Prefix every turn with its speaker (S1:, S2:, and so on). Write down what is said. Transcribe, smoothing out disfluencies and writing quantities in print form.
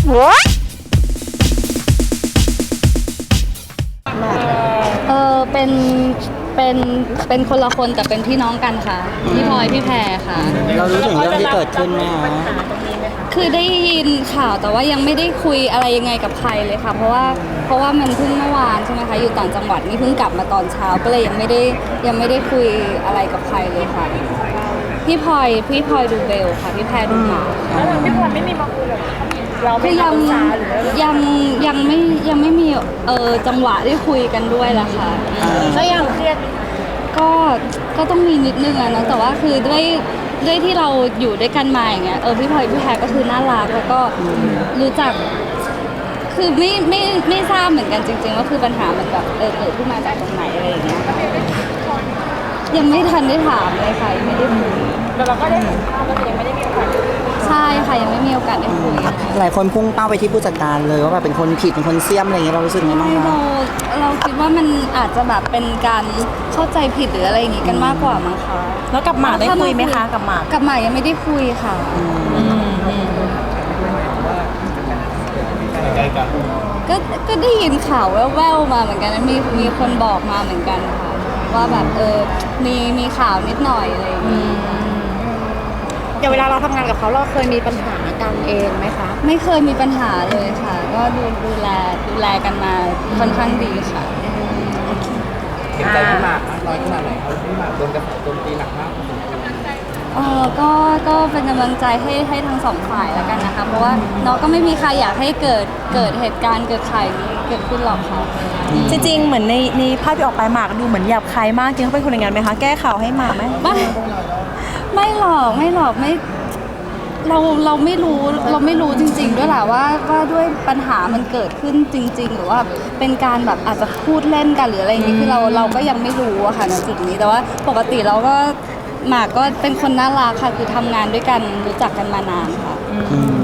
S1: เป็นเป็นคนละคนแต่เป็นพี่น้องกันค่ะพี่พลอยพี่แพรค่ะ
S2: เรารู้ถึงเรื่องที่เกิดขึ้นไหมคะ
S1: คือได้ยินข่าวแต่ว่ายังไม่ได้คุยอะไรยังไงกับใครเลยค่ะเพราะว่ามันเพิ่งเมื่อวานใช่ไหมคะอยู่ต่างจังหวัดนี่เพิ่งกลับมาตอนเช้าก็เลยยังไม่ได้คุยอะไรกับใครเลยค่ะพี่พลอยดูเบลค่ะพี่แพรดูหมา
S3: แล้วทางพี่พลอยไม่มีมาคุยกับเราไม่
S1: ยัง
S3: ปรึกษาหรือ
S1: ยังไม่มีจังหวะได้คุยกันด้วยล่ะค่ะ
S3: ก็ยังเครียด
S1: ก็ต้องมีนิดนึงอะนะแต่ว่าคือด้วยที่เราอยู่ด้วยกันมาอย่างเงี้ยพี่พลอยพี่แพรก็คือน่ารักแล้วก็รู้จักคือไม่ทราบเหมือนกันจริงๆว่าคือปัญหามันแบบเกิดขึ้นมาจากตรงไหนอะไรอย่างเงี้ยยังไม่ทันได้ถามเลยค่ะยังไม่ได้คุย
S3: แต่เราก็ได้เห็นภาพแล้วยังไม่ได้มีโอกาส
S1: ใช่ค่ะยังไม่มีโอกาสได้คุย
S2: หลายคนพุ่งเป้าไปที่ผู้จัดการเลยว่าแบบเป็นคนผิดเป็นคนเสี้ยมอะไรอย่างเงี้ยเรารู้สึกไงบ้างคะ
S1: เราคิดว่ามันอาจจะแบบเป็นการเข้าใจผิดหรืออะไรอย่างงี้กันมากกว่ามั้งคะ
S3: แล้วกับหมากได้คุยไหมคะกับหมาก
S1: ยังไม่ได้คุยค่ะก็ได้ยินข่าวแว่วๆมาเหมือนกันนะมีคนบอกมาเหมือนกันค่ะว่าแบบมีข่าวนิดหน่อยอะไรอย่างงี้
S3: อย่างเวลาเราทำงานกับเขาเราเคยมีปัญหากันเองไหมคะ
S1: ไม่เคยมีปัญหาเลยค่ะก็ดูแลกันมาค่อนข้างดีค่ะ
S2: เห็นใจพี่หมากน้อยขนาดไหนเขาพี่หมากโดนกระแสโจมตีหนักมาก
S1: ก็เป็นกำลังใจให้ทั้งสองฝ่ายแล้วกันนะคะเพราะว่าน้องก็ไม่มีใครอยากให้เกิดเหตุการณ์เกิดข่าวนี้เกิดขึ้นหรอกค่ะ
S3: จริงๆเหมือนในภาพที่ออกไปหมากดูเหมือนหยาบคายมากจริงเขาเป็นคนอย่างนั้นไหมคะแก้ข่าวให้หมากไหม
S1: ไม่หรอกไม่เราไม่รู้จริงๆด้วยแหละว่าด้วยปัญหามันเกิดขึ้นจริงๆหรือว่าเป็นการแบบอาจจะพูดเล่นกันหรืออะไรอย่างนี้คือเราก็ยังไม่รู้อะค่ะในจุดนี้แต่ว่าปกติเราก็หมากก็เป็นคนน่ารักค่ะคือทำงานด้วยกันรู้จักกันมานานค่ะ